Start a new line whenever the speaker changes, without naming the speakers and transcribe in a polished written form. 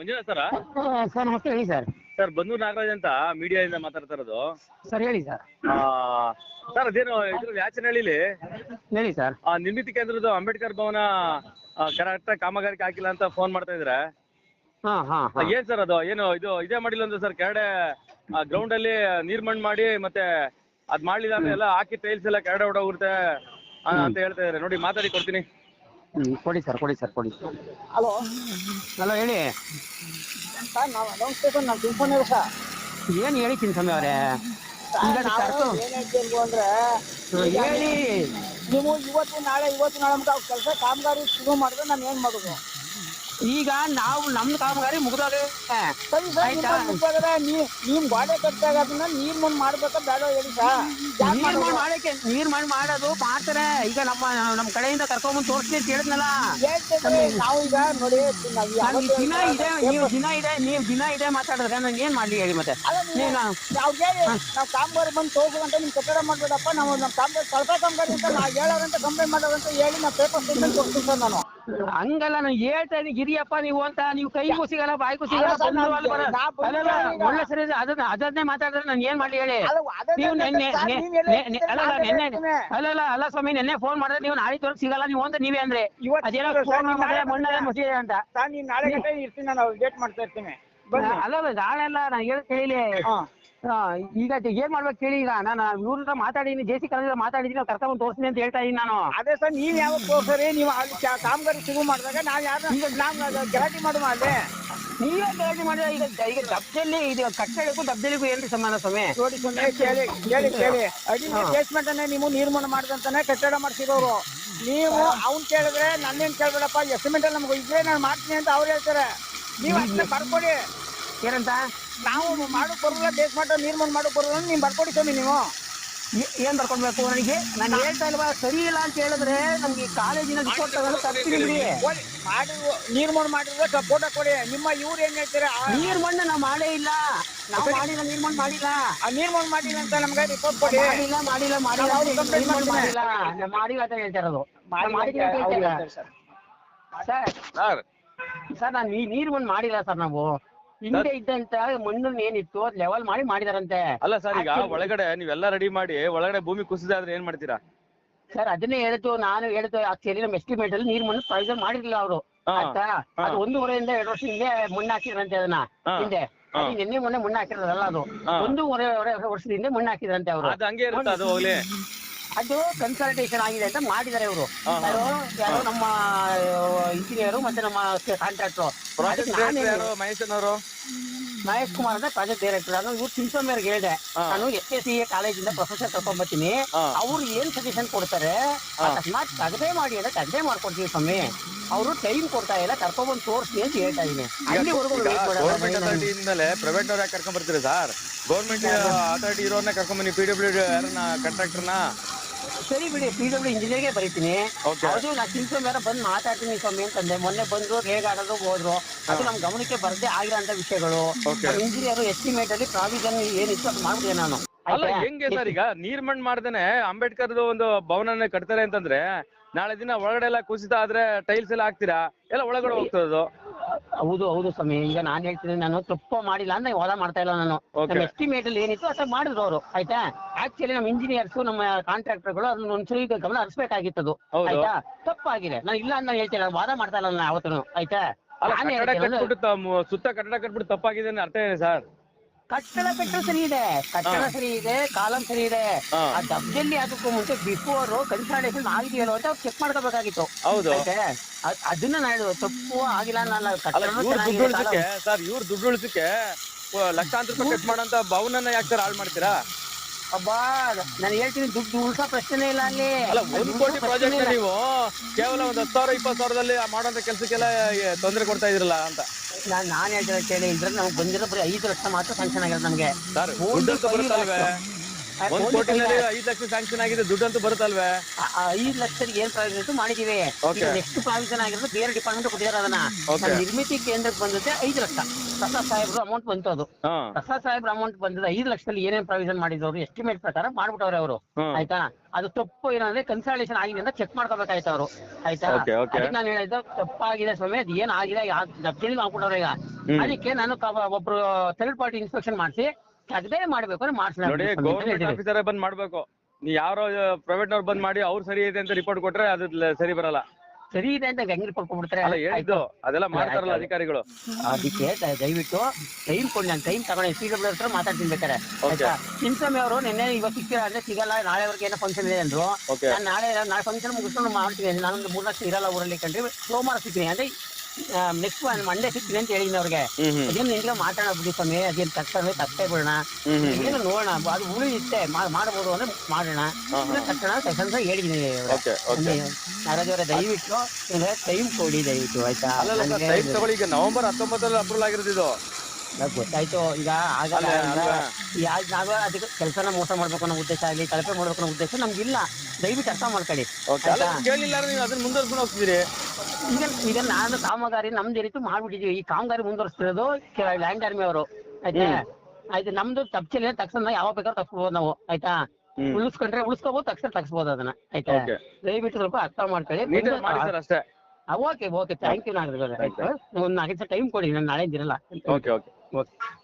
ಮಂಜುನಾಥ್ ಸರ?
Sir ನಮಸ್ತೆ, ಹೇಳಿ sir.
Sir Bannur Nagaraj ಅಂತ ಮೀಡಿಯಾದಿಂದ ಮಾತಾಡ್ತಾ ಇರೋದು.
ಸರ್ ಹೇಳಿ ಸರ್.
ಸರ್ ಅದೇನು ಇದ್ರಲ್ಲಿ ಯಾಚನಹಳ್ಳಿಲಿ
ಹೇಳಿ ಸರ್.
ನಿರ್ಮಿತಿ ಕೇಂದ್ರದ್ದು ಅಂಬೇಡ್ಕರ್ ಭವನ ಕರೆಕ್ಟಾಗಿ ಕಾಮಗಾರಿಕೆ ಹಾಕಿಲ್ಲ ಅಂತ ಫೋನ್ ಮಾಡ್ತಾ ಇದ್ರೆ. ಏನ್ ಸರ್ ಅದು ಏನು ಇದೇ ಮಾಡಿಲ್ಲ ಅಂದ್ರೆ ಸರ್ ಕೆರಡೆ ಗ್ರೌಂಡ್ ಅಲ್ಲಿ ನೀರ್ ಮಣ್ಣು ಮಾಡಿ ಮತ್ತೆ ಅದ್ ಮಾಡ್ಲಿಲ್ಲ ಅಂದ್ರೆ ಎಲ್ಲ ಹಾಕಿ ಟೈಲ್ಸ್ ಎಲ್ಲ ಕೆರಡೆ ಹೊಡೋಗುತ್ತೆ ಅಂತ ಹೇಳ್ತಾ ಇದಾರೆ. ನೋಡಿ ಮಾತಾಡಿ ಕೊಡ್ತೀನಿ.
ಕೊಡಿ ಸರ್.
ಹಲೋ
ಹೇಳಿ
ಸರ್. ನಮಸ್ತೆ ಸರ್, ನಾವು ತಿಳ್ಕೊಂಡಿವಿ ಸರ್.
ಏನು ಹೇಳಿ ಚಿನ್ಸ್ವಾಮಿ ಅವರೇ?
ಏನ್ ಹೇಳ್ತೀವಿ ಅಂದ್ರೆ
ಹೇಳಿ.
ನೀವು ಇವತ್ತು ನಾಳೆ ಅಂತ ಕೆಲಸ ಕಾಮಗಾರಿ ಶುರು ಮಾಡಿದ್ರೆ ನಾನು ಏನ್ ಮಾಡುದು?
ಈಗ ನಾವು ನಮ್ದು ಕಾಮಗಾರಿ ಮುಗಿದೋದೆ.
ಸರಿ ಸರ್, ನೀವ್ ಗಾಡಿ ಕಟ್ಟಾಗ ಅದನ್ನ ನೀರ್ ಮಣ್ಣು ಮಾಡ್ಬೇಕಾ ಬೇಡ ಹೇಳಿ ಸರ್.
ನೀರ್ ಮಣ್ಣು ಮಾಡೋದು ಮಾಡ್ತಾರೆ. ಈಗ ನಮ್ಮ ಕಡೆಯಿಂದ ಕರ್ಕೊಂಡ್ಬಂದು ತೋರಿಸ್ತೀನಿ ಅಂತ ಹೇಳಿದ್ನಲ್ಲ.
ನಾವು ಈಗ ನೋಡಿ
ನೀವು ದಿನ ಇದೆ ಮಾತಾಡಿದ್ರೆ ನಾನು ಏನ್ ಮಾಡ್ಲಿ ಹೇಳಿ? ಮತ್ತೆ
ನಾವು ಕಾಮಗಾರಿ ಬಂದು ತೋರ್ಸಂತ ನಿಮ್ ಕಟ್ಟಡ ಮಾಡ್ಬೇಡಪ್ಪ, ನಾವು ನಮ್ಮ ಕಾಮಗಾರಿ ಸ್ವಲ್ಪ ಕಾಮಗಾರಿ ಅಂತ ನಾವು ಹೇಳೋರಂತ ಕಂಪ್ಲೇಂಟ್ ಮಾಡೋದಂತ ಹೇಳಿ ನಾವು ಪೇಪರ್ ಸ್ಟೇಟ್ಮೆಂಟ್ ಕೊಡ್ತೀನಿ ಸರ್. ನಾನು
ಹಂಗಲ್ಲ, ನಾನು ಹೇಳ್ತಾ ಇದ್ದೀನಿ ಗಿರಿಯಪ್ಪ ನೀವು ಅಂತ. ನೀವು ಕೈಗೂ ಸಿಗಲ್ಲ ಬಾಯ್ಗೂ ಸಿಗಲ್ಲ. ಒಳ್ಳೆ ಸರಿ ಅದನ್ನೇ ಮಾತಾಡಿದ್ರೆ ನಾನು ಏನ್ ಮಾಡ್ಲಿ ಹೇಳಿ? ನೀವು ಅಲ್ಲ ಸ್ವಾಮಿ, ನೆನ್ನೆ ಫೋನ್ ಮಾಡಿದ್ರೆ ನೀವು ನಾಳೆ ತೋರಿಸಿ ಸಿಗಲ್ಲ ನೀವು ಅಂತ ನೀವೇ ಅಂದ್ರೆ ಅದೇನೋ ಮಣ್ಣೆ ಮುಸಿದೆ ಅಂತ.
ನಾಳೆ ಇರ್ತೀನಿ, ನಾನು ವೇಟ್ ಮಾಡ್ತಾ ಇರ್ತೀನಿ.
ಅಲ್ಲ ನಾಳೆ ಅಲ್ಲ, ನಾನು ಹೇಳಿ ಈಗ ಏನ್ ಮಾಡ್ಬೇಕು ಕೇಳಿ. ಈಗ ನಾನು ಇವ್ರ ಮಾತಾಡಿದೀನಿ, ಜೆ.ಸಿ. ಕಾಲೇಜ್ ಮಾತಾಡಿದೀನಿ, ಕರ್ಕೊಂಡ್ ತೋರಿಸ್ತೀನಿ ಅಂತ ಹೇಳ್ತಾ ಇದೀನಿ ನಾನು.
ಅದೇ ಸರ್, ನೀವ್ ಯಾವಾಗ ತೋರ್ಸರಿ? ನೀವು ಅಲ್ಲಿ ಕಾಮಗಾರಿ ಶುರು ಮಾಡಿದಾಗ ನಾವು ಗಲಾಟೆ ಮಾಡುವ ಅಲ್ಲೇ
ನೀವೇ ಗಲಾಟೆ ಮಾಡಿದ್ರೆ ಈಗ ದಬ್ಜಲ್ಲಿ ಇದು ಕಟ್ಟಡಕ್ಕೂ ದಬ್ಜಲಿಗೂ ಏನ್ರಿ ಸಂಬಂಧ ಸ್ವಾಮಿ?
ನೋಡಿ ಸ್ವಾಮಿ, ಕೇಳಿ ಅಡಿ ಬೇಸ್ಮೆಂಟ್ ಅನ್ನೇ ನೀವು ನಿರ್ಮಾಣ ಮಾಡಿದಂತಾನೆ ಕಟ್ಟಡ ಮಾಡ್ಸಿರೋರು. ನೀವು ಅವ್ನ್ ಕೇಳಿದ್ರೆ ನನ್ನೇನ್ ಕೇಳ್ಬೇಡಪ್ಪ, ಎಸ್ಟಿಮೇಟ್ ಅಲ್ಲಿ ನಮ್ಗೆ ಇದ್ರೆ ನಾನು ಮಾಡ್ತೀನಿ ಅಂತ ಅವ್ರು ಹೇಳ್ತಾರೆ. ನೀವು ಅದನ್ನ ಬರ್ಕೊಡಿ.
ಏನಂತ?
ನಾವು ಮಾಡೋಕ್ ಬರೋಲ್ಲ, ಬೇಸ್ಮೆಂಟ್ ನಿರ್ಮಾಣ ಮಾಡೋಕ್ ಬರೋಲ್ಲ, ನೀವು ಬರ್ಕೊಡಿ ಸ್ವಾಮಿ. ನೀವು
ಏನ್ ಬರ್ಕೊಡ್ಬೇಕು ನನಗೆ? ನಾನು ಹೇಳ್ತಾ ಇಲ್ವಾ ಸರಿ ಇಲ್ಲ ಅಂತ ಹೇಳಿದ್ರೆ ನಮ್ಗೆ ಕಾಲೇಜಿನ ರಿಪೋರ್ಟ್ ತಗೊಂಡು ತರ್ತೀನಿ.
ನಿರ್ಮಾಣ ಮಾಡಿದ್ರೆ ಫೋಟೋ ಕೊಡಿ. ನಿಮ್ಮ ಇವ್ರು ಏನ್ ಹೇಳ್ತೀರಾ?
ನೀರ್ಮಣ್ಣು ನಾವು ಮಾಡೇ ಇಲ್ಲ, ನಾವು ಮಾಡಿಲ್ಲ, ನಿರ್ಮಾಣ ಮಾಡಿಲ್ಲ.
ನಿರ್ಮಾಣ ಮಾಡಿಲ್ಲ ಅಂತ ನಮ್ಗೆ ರಿಪೋರ್ಟ್ ಕೊಡಿ.
ಮಾಡಿಲ್ಲ ಅಂತ ಹೇಳ್ತಾ ಇರೋದು. ಸರ್ ನಾನು ನಿರ್ಮಾಣ ಮಾಡಿಲ್ಲ ಸರ್. ನಾವು ಹಿಂದೆ ಇದ್ದಂತ ಮಣ್ಣು ಏನಿತ್ತು ಅದ್ ಲೆವೆಲ್ ಮಾಡಿ ಮಾಡಿದಾರಂತೆ.
ಅಲ್ಲ ಸರ್, ಈಗ ಒಳಗಡೆ ನೀವೆಲ್ಲ ರೆಡಿ ಮಾಡಿ ಒಳಗಡೆ ಭೂಮಿ ಕುಸಿದಾದ್ರೆ ಏನ್ ಮಾಡ್ತೀರಾ
ಸರ್? ಅದನ್ನೇ ನಾನು ಹೇಳಿದ್ದು ಆಕ್ಚುಲಿ ನಮ್ಮ ಎಸ್ಟಿಮೇಟ್ ಅಲ್ಲಿ ನೀರ್ ಮಣ್ಣು ಪ್ರೊವಿಷನ್ ಮಾಡಿರ್ಲಿಲ್ಲ ಅವರು. ಆಯ್ತಾ? ಅದು 1.5 2 ವರ್ಷ ಹಿಂದೆ ಮಣ್ಣು ಹಾಕಿದ್ರಂತೆ. ಅದನ್ನ ಹಿಂದೆ ನಿನ್ನೆ ಮೊನ್ನೆ ಮಣ್ಣು ಹಾಕಿರೋದಲ್ಲ, ಅದು 1.5 ವರ್ಷದ ಹಿಂದೆ ಮಣ್ಣು ಹಾಕಿದ್ರಂತೆ ಅವರು. ಅದು ಕನ್ಸಲ್ಟೇಷನ್ ಆಗಿದೆ ಅಂತ ಮಾಡಿದ್ದಾರೆ ಅವರು. ಯಾರು ನಮ್ಮ ಇಂಜಿನಿಯರು ಮತ್ತೆ ನಮ್ಮ ಕಾಂಟ್ರಾಕ್ಟರ್ ಮಹೇಶ್ ಕುಮಾರ್ ಅಂತ ಪ್ರಾಜೆಕ್ಟ್ ಡೈರೆಕ್ಟರ್. ನಾನು ಇವ್ರು ಚಿನ್ಸ್ವಾಮಿಯವ್ರಿಗೆ ಹೇಳಿದೆ, ನಾನು SSCA ಕಾಲೇಜಿಂದ ಪ್ರೊಫೆಸರ್ ಕರ್ಕೊಂಡ್ಬರ್ತೀನಿ, ಅವ್ರು ಏನ್ ಸಜೆಷನ್ ಕೊಡ್ತಾರೆ ಅಕಸ್ಮಾತ್ ತಗದೆ ಮಾಡಿ ಅಂದ್ರೆ ತಗದೆ ಮಾಡ್ಕೊಡ್ತೀವಿ ಸ್ವಾಮಿ. ಅವರು ಟೈಮ್ ಕೊಡ್ತಾ ಇಲ್ಲ, ಕರ್ಕೊಂಡ್ಬಂದು ತೋರಿಸ್ತೀನಿ ಅಂತ ಹೇಳ್ತಾ ಇದೀನಿ. ಅಲ್ಲಿವರೆಗೂ
ಪ್ರೈವೇಟ್ ಅವ್ರ ಕರ್ಕೊಂಡ್ ಬರ್ತೀರಿ ಸರ್? ಗೌರ್ಮೆಂಟ್ ಅಥಾರಿಟಿ ಇರೋರ್ನ ಕರ್ಕೊಂಡ್ಬನ್ನಿ, PWD ಯಾರನ್ನ ಕಾಂಟ್ರಾಕ್ಟರ್ನ.
ಸರಿ ಬಿಡಿ, PWD ಇಂಜಿನಿಯರ್ಗೆ ಬರೀತೀನಿ. ಅದು ನಾ ಚಿನ್ಸ್ವಾಮಿ ಬಂದು ಮಾತಾಡ್ತೀನಿ ಸ್ವಾಮಿ ಅಂತಂದೆ. ಮೊನ್ನೆ ಬಂದ್ರು, ರೇಗಾಡೋದು ಹೋದ್ರು. ಅದು ನಮ್ ಗಮನಕ್ಕೆ ಬರದೇ ಆಗಿರೋಂತ ವಿಷಯಗಳು. ಇಂಜಿನಿಯರ್ ಎಸ್ಟಿಮೇಟ್ ಅಲ್ಲಿ ಪ್ರಾವಿಷನ್ ಏನಿತ್ತು ಅದು ಮಾಡ್ಬಿಟ್ಟೆ ನಾನು.
ಅಲ್ಲ ಹೆಂಗೆ ಸರ್, ಈಗ ನೀರ್ ಮಣ್ಣು ಮಾಡ್ದೇನೆ ಅಂಬೇಡ್ಕರ್ದು ಒಂದು ಭವನ ಕಟ್ತಾರೆ ಅಂತಂದ್ರೆ ನಾಳೆ ದಿನ ಒಳಗಡೆ ಎಲ್ಲ ಕುಸಿತ ಆದ್ರೆ ಟೈಲ್ಸ್ ಎಲ್ಲ ಹಾಕ್ತೀರಾ, ಎಲ್ಲ ಒಳಗಡೆ ಹೋಗ್ತದದು.
ಹೌದು ಸ್ವಾಮಿ. ಈಗ ನಾನ್ ಹೇಳ್ತೀನಿ, ನಾನು ತಪ್ಪು ಮಾಡಿಲ್ಲ ಅಂತ ವಾದ ಮಾಡ್ತಾ ಇಲ್ಲ. ನಾನು ನಮ್ಮ ಎಸ್ಟಿಮೇಟ್ ಅಲ್ಲಿ ಏನಿತ್ತು ಅಷ್ಟ ಮಾಡಿದ್ರು ಅವರು. ಆಯ್ತಾ? ಆಕ್ಚುಲಿ ನಮ್ಮ ಇಂಜಿನಿಯರ್ಸ್ ನಮ್ಮ ಕಾಂಟ್ರಾಕ್ಟರ್ಗಳು ಅದನ್ನ ಒಂದ್ಸರಿ ಗಮನ ಹರಿಸಬೇಕಾಗಿತ್ತು. ಆಯ್ತಾ? ತಪ್ಪಾಗಿದೆ, ನಾನು ಇಲ್ಲ ಅಂತ ಹೇಳ್ತೀನಿ, ವಾದ ಮಾಡ್ತಾ ಇಲ್ಲ ನಾನು ಯಾವತ್ತೂ. ಆಯ್ತಾ?
ಸುತ್ತ ಕಟ್ಟಡ ಕಟ್ಬಿಟ್ಟು ತಪ್ಪಾಗಿದೆ ಅರ್ಥ ಇದೆ ಸರ್?
ಕಟ್ಟಡ ಸರಿ ಇದೆ, ಕಾಲಂ ಸರಿ ಇದೆ. ಆ ದಬ್ಜಲ್ಲಿ ಅದಕ್ಕೂ ಮುಂಚೆ ಬಿಫೋರ್ ಕನ್ಸಲ್ಟೇಷನ್ ಆಗಿದೆಯಲ್ಲ ಅಂತ ಅವ್ರು ಚೆಕ್ ಮಾಡ್ಕೋಬೇಕಾಗಿತ್ತು. ಅದನ್ನ ನಾನು ತಪ್ಪು ಆಗಿಲ್ಲ.
ಸರ್ ಇವ್ರು ದುಡ್ಡು ಉಳಿಸಕ್ಕೆ ಲಕ್ಷಾಂತರ ರೂಪಾಯಿ ಖರ್ಚು ಮಾಡೋಂತ ಭವನನ್ನ ಯಾಕೆ ಸರ್ ಹಾಳು ಮಾಡ್ತೀರಾ?
ಅಬ್ಬಾ, ನಾನು ಹೇಳ್ತೀನಿ, ದುಡ್ಡು ಉಳಿಸೋ ಪ್ರಶ್ನೆ ಇಲ್ಲ ಅಲ್ಲಿ.
ಅಲ್ಲ, 1 ಕೋಟಿ ಪ್ರಾಜೆಕ್ಟ್ ನೀವು ಕೇವಲ 10,000 20,000ದಲ್ಲಿ ಮಾಡೋಂಥ ಕೆಲಸಕ್ಕೆಲ್ಲ ತೊಂದರೆ ಕೊಡ್ತಾ ಇದ್ರಲ್ಲ ಅಂತ
ನಾನು ಹೇಳ್ತೀನಿ ಕೇಳಿ. ಇದ್ರಲ್ಲಿ ನಮ್ಗೆ ಬಂದಿರೋ ಬರೀ 5 ಲಕ್ಷ ಮಾತ್ರ ಸ್ಯಾಂಕ್ಷನ್ ಆಗಿರೋದು ನಮ್ಗೆ.
1 ಕೋಟಿನಲ್ಲಿ 5 ಲಕ್ಷ ಸ್ಯಾಂಕ್ಷನ್ ಆಗಿದೆ, ದುಡ್ಡಂತೂ ಬರುತ್ತಲ್ವೇ?
5 ಲಕ್ಷಕ್ಕೆ ಏನ್ ಪ್ರಾವಿಷನ್ ಇತ್ತು ಮಾಡಿದೀವಿ.
Okay.
ನೆಕ್ಸ್ಟ್ ಪ್ರಾವಿಷನ್ ಆಗಿರೋದು ಬೇರೆ ಡಿಪಾರ್ಟ್ಮೆಂಟ್ ಕೊಟ್ಟಿದ್ದಾರೆ ಅದನ್ನ.
Okay.
ನಮ್ಮ ನಿರ್ಮಿತಿ ಕೇಂದ್ರಕ್ಕೆ ಬಂದಿದೆ 5 ಲಕ್ಷ. ಪ್ರಸಾದ್ ಸಾಹೇಬ್ರು ಅಮೌಂಟ್ ಬಂತು ಅದು. ಪ್ರಸಾದ್ ಸಾಹೇಬ್ರ ಅಮೌಂಟ್ ಬಂದಿದೆ 5 ಲಕ್ಷದಲ್ಲಿ ಏನೇನ್ ಪ್ರಾವಿಷನ್ ಮಾಡಿದ್ರು ಎಸ್ಟಿಮೇಟ್ ಪ್ರಕಾರ ಮಾಡ್ಬಿಟ್ಟವ್ರೆ ಅವರು. ಆಯ್ತಾ, ಅದು ತಪ್ಪು ಏನಂದ್ರೆ ಕನ್ಸಲ್ಟೇಷನ್ ಆಗಿದೆ ಅಂತ ಚೆಕ್ ಮಾಡ್ಕೋಬೇಕಾಯ್ತು ಅವರು. ಆಯ್ತಾ, ಅದಕ್ಕೆ ನಾನು ಹೇಳಿದ್ದು ತಪ್ಪಾಗಿದೆ ಸ್ವಾಮಿ, ಅದು ಏನ್ ಆಗಿದೆ ಜಪ್ತಿಲಿ ಮಾಡ್ಬಿಟ್ಟವ್ರೆ ಈಗ. ಅದಕ್ಕೆ ನಾನು ಒಬ್ರು ಥರ್ಡ್ ಪಾರ್ಟಿ ಇನ್ಸ್ಪೆಕ್ಷನ್ ಮಾಡಿಸಿ ಅದೇ ಮಾಡ್ಬೇಕು ಅಂದ್ರೆ
ನೋಡಿ, ಗೌರ್ಮೆಂಟ್ ಆಫೀಸರ್ ಬಂದ್ ಮಾಡ್ಬೇಕು. ನೀ ಯಾರೋ ಪ್ರೈವೇಟ್ ನವ್ರು ಬಂದ್ ಮಾಡಿ ಅವ್ರು ಸರಿ ಇದೆ ಅಂತ ರಿಪೋರ್ಟ್ ಕೊಟ್ರೆ ಅದು ಸರಿ ಬರಲ್ಲ.
ಸರಿ ಇದೆ ಅಂತ ಹೆಂಗ್ ರಿಪೋರ್ಟ್ ಕೊಡ್ಬಿಡ್ತಾರೆ?
ಹೇಳಿದ್ದು ಅದೆಲ್ಲ ಮಾಡ್ತಾರಲ್ಲ ಅಧಿಕಾರಿಗಳು.
ಅದಕ್ಕೆ ದಯವಿಟ್ಟು ಟೈಮ್ ಕೊಡಿ, ನಾನು ಟೈಮ್ ತಗೊಂಡು PW ಹತ್ರ ಮಾತಾಡ್ತೀನಿ ಬೇಕಾರೆ. ಆಯ್ತಾ, ಸಿಂಸಮಿ ಅವರು ನಿನ್ನೆ ಇವಾಗ ಸಿಕ್ಕಿರ ಅಂದ್ರೆ ಸಿಗಲ್ಲ, ನಾಳೆವರೆಗೆ ಏನೋ ಫಂಕ್ಷನ್ ಇದೆ ಅಂದ್ರು. ನಾನು ನಾಳೆ ಫಂಕ್ಷನ್ ಮುಗಿಸ್ಕೊಂಡು ಮಾಡ್ತೀನಿ, ನಾನೊಂದು 3 ಲಕ್ಷ ಇರಲ್ಲ ಊರಲ್ಲಿ ಕಂಡ್ರಿ, ಸೋಮವಾರ ಸಿಗ್ತೀನಿ ಅಂದ್ರೆ ನೆಕ್ಸ್ಟ್ ಮಂಡೇ ಸಿಗ್ತೀನಿ ಅಂತ ಹೇಳಿದ್ದೀನಿ ಅವ್ರಿಗೆ. ಅದೇನು ನಿಂಗೆ ಮಾತಾಡೋ ಬಿಡಿ ಸ್ವಾಮಿ, ಅದೇನು ತಪ್ಪೇ ಬಿಡೋಣ, ಏನು ನೋಡೋಣ, ಅದು ಉಳಿಯುತ್ತೆ ಮಾಡ್ಬೋದು ಅಂದ್ರೆ ಮಾಡೋಣ ತಕ್ಷಣ ಸೆಷನ್ಸ್ ಹೇಳಿದ್ದೀನಿ. ನಾಗರಾಜ್ ಅವರೇ ದಯವಿಟ್ಟು ಟೈಮ್ ಕೊಡಿ ದಯವಿಟ್ಟು. ಆಯ್ತಾ,
ಈಗ ನವೆಂಬರ್ 19 ಅಪ್ರೂವಲ್ ಆಗಿರೋದು ಇದು.
ಗೊತ್ತಾಯ್ತು. ಈಗ ಆಗಲ್ಲ, ನಾವೇ ಅದಕ್ಕೆ ಕೆಲಸನ ಮೋಸ ಮಾಡ್ಬೇಕು ಅನ್ನೋ ಉದ್ದೇಶ ಆಗಲಿ, ಕಳಪೆ ಮಾಡ್ಬೇಕು ಅನ್ನೋ ಉದ್ದೇಶ ನಮ್ಗಿಲ್ಲ. ದಯವಿಟ್ಟು ಅರ್ಥ ಮಾಡ್ಕೊಳ್ಳಿ.
ಅದನ್ನ ಮುಂದುವರ್ಸ್ಕೊಂಡು ಹೋಗ್ತಿದ್ದೀರಿ.
ಈಗ ನಾನು ಕಾಮಗಾರಿ ನಮ್ದು ರೀತಿ ಮಾಡ್ಬಿಟ್ಟಿದೀವಿ. ಈ ಕಾಮಗಾರಿ ಮುಂದುವರಿಸ್ತಿರೋದು ಲ್ಯಾಂಡ್ ಆರ್ಮಿ ಅವರು. ಆಯ್ತಾ, ಆಯ್ತು, ನಮ್ದು ತಪ್ಪಿಲ್ಲ ತಕ್ಷಣ ಯಾವ ಬೇಕಾದ್ರೂ ತಪ್ಪಿಸ್ಬೋದು ನಾವು. ಆಯ್ತಾ, ಉಳಿಸ್ಕೊಂಡ್ರೆ ಉಳಿಸ್ಕೋಬಹುದು, ತಕ್ಷಣ ತಗ್ಸ್ಬೋದು ಅದನ್ನ. ಆಯ್ತಾ, ದಯವಿಟ್ಟು ಸ್ವಲ್ಪ ಅರ್ಥ ಮಾಡ್ಕೊಳ್ಳಿ
ಅಷ್ಟೇ.
Okay thank you. ನಾಗರಾಜ್, ಒಂದು 4 ಟೈಮ್ ಕೊಡಿ, ನಾನು ನಾಳೆ ಇದಿರಲ್ಲ.
ಓಕೆ.